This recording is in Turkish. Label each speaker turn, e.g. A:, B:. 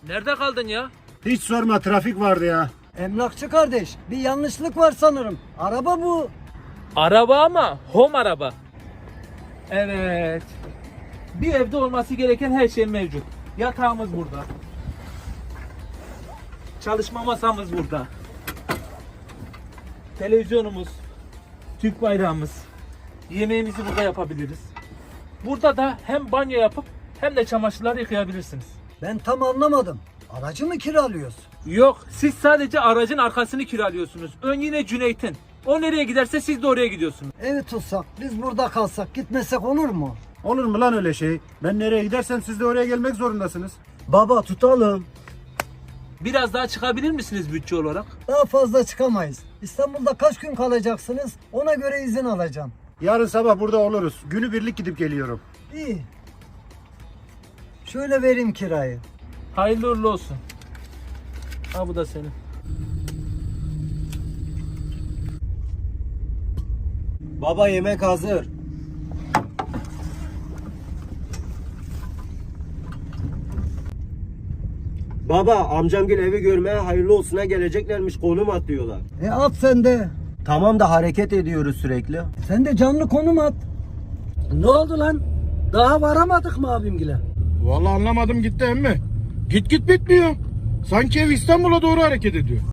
A: Nerede kaldın ya?
B: Hiç sorma, trafik vardı ya.
C: Emlakçı kardeş, bir yanlışlık var sanırım. Araba bu.
A: Araba ama home araba. Evet. Bir evde olması gereken her şey mevcut. Yatağımız burada. Çalışma masamız burada. Televizyonumuz, Türk bayrağımız. Yemeğimizi burada yapabiliriz. Burada da hem banyo yapıp hem de çamaşırlar yıkayabilirsiniz.
C: Ben tam anlamadım. Aracı mı kiralıyoruz?
A: Yok, siz sadece aracın arkasını kiralıyorsunuz. Ön yine Cüneyt'in. O nereye giderse siz de oraya gidiyorsunuz.
C: Evi tutsak, biz burada kalsak, gitmesek olur mu?
B: Olur mu lan öyle şey? Ben nereye gidersem siz de oraya gelmek zorundasınız.
C: Baba tutalım.
A: Biraz daha çıkabilir misiniz bütçe olarak?
C: Daha fazla çıkamayız. İstanbul'da kaç gün kalacaksınız? Ona göre izin alacağım.
B: Yarın sabah burada oluruz. Günübirlik gidip geliyorum.
C: İyi. Şöyle vereyim kirayı.
A: Hayırlı uğurlu olsun. Ha bu da senin.
D: Baba yemek hazır. Baba amcamgil evi görmeye hayırlı olsuna geleceklermiş, konum atlıyorlar.
C: At sen de.
D: Tamam da hareket ediyoruz sürekli.
C: Sen de canlı konum at.
E: Ne oldu lan? Daha varamadık mı abimgile?
B: Vallahi anlamadım gitti emmi. Git bitmiyor. Sanki ev İstanbul'a doğru hareket ediyor.